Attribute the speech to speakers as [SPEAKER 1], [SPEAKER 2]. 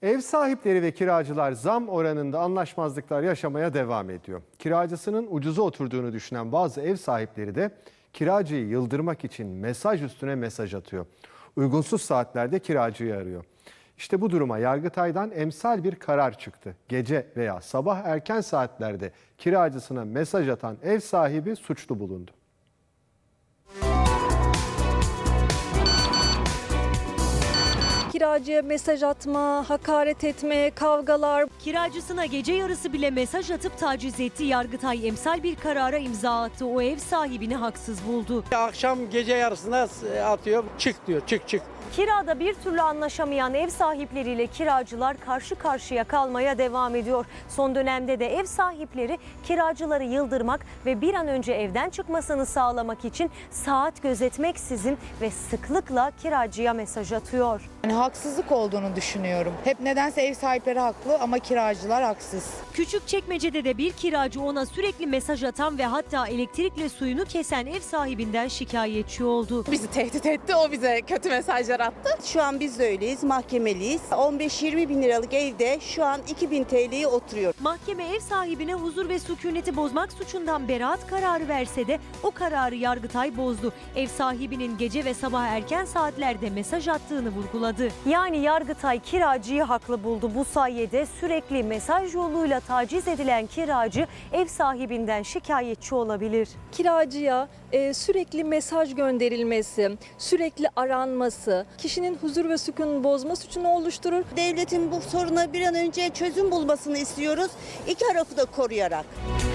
[SPEAKER 1] Ev sahipleri ve kiracılar zam oranında anlaşmazlıklar yaşamaya devam ediyor. Kiracısının ucuza oturduğunu düşünen bazı ev sahipleri de kiracıyı yıldırmak için mesaj üstüne mesaj atıyor. Uygunsuz saatlerde kiracıyı arıyor. İşte bu duruma Yargıtay'dan emsal bir karar çıktı. Gece veya sabah erken saatlerde kiracısına mesaj atan ev sahibi suçlu bulundu.
[SPEAKER 2] Kiracıya mesaj atma, hakaret etme, kavgalar.
[SPEAKER 3] Kiracısına gece yarısı bile mesaj atıp taciz etti. Yargıtay emsal bir karara imza attı. O ev sahibini haksız buldu.
[SPEAKER 4] Akşam gece yarısında atıyor, çık diyor, çık.
[SPEAKER 3] Kirada bir türlü anlaşamayan ev sahipleriyle kiracılar karşı karşıya kalmaya devam ediyor. Son dönemde de ev sahipleri kiracıları yıldırmak ve bir an önce evden çıkmasını sağlamak için saat gözetmeksizin ve sıklıkla kiracıya mesaj atıyor.
[SPEAKER 5] Yani haksızlık olduğunu düşünüyorum. Hep nedense ev sahipleri haklı ama kiracılar haksız.
[SPEAKER 3] Küçükçekmece'de de bir kiracı ona sürekli mesaj atan ve hatta elektrikle suyunu kesen ev sahibinden şikayetçi oldu.
[SPEAKER 6] Bizi tehdit etti, o bize kötü mesajlar attı.
[SPEAKER 7] Şu an biz de öyleyiz, mahkemeliyiz. 15-20 bin liralık evde şu an 2.000 TL'ye oturuyor.
[SPEAKER 3] Mahkeme ev sahibine huzur ve sükuneti bozmak suçundan beraat kararı verse de o kararı Yargıtay bozdu. Ev sahibinin gece ve sabah erken saatlerde mesaj attığını vurguladı. Yani Yargıtay kiracıyı haklı buldu. Bu sayede sürekli mesaj yoluyla taciz edilen kiracı ev sahibinden şikayetçi olabilir.
[SPEAKER 2] Kiracıya sürekli mesaj gönderilmesi, sürekli aranması, kişinin huzur ve sükununu bozma suçunu oluşturur.
[SPEAKER 7] Devletin bu soruna bir an önce çözüm bulmasını istiyoruz. İki tarafı da koruyarak.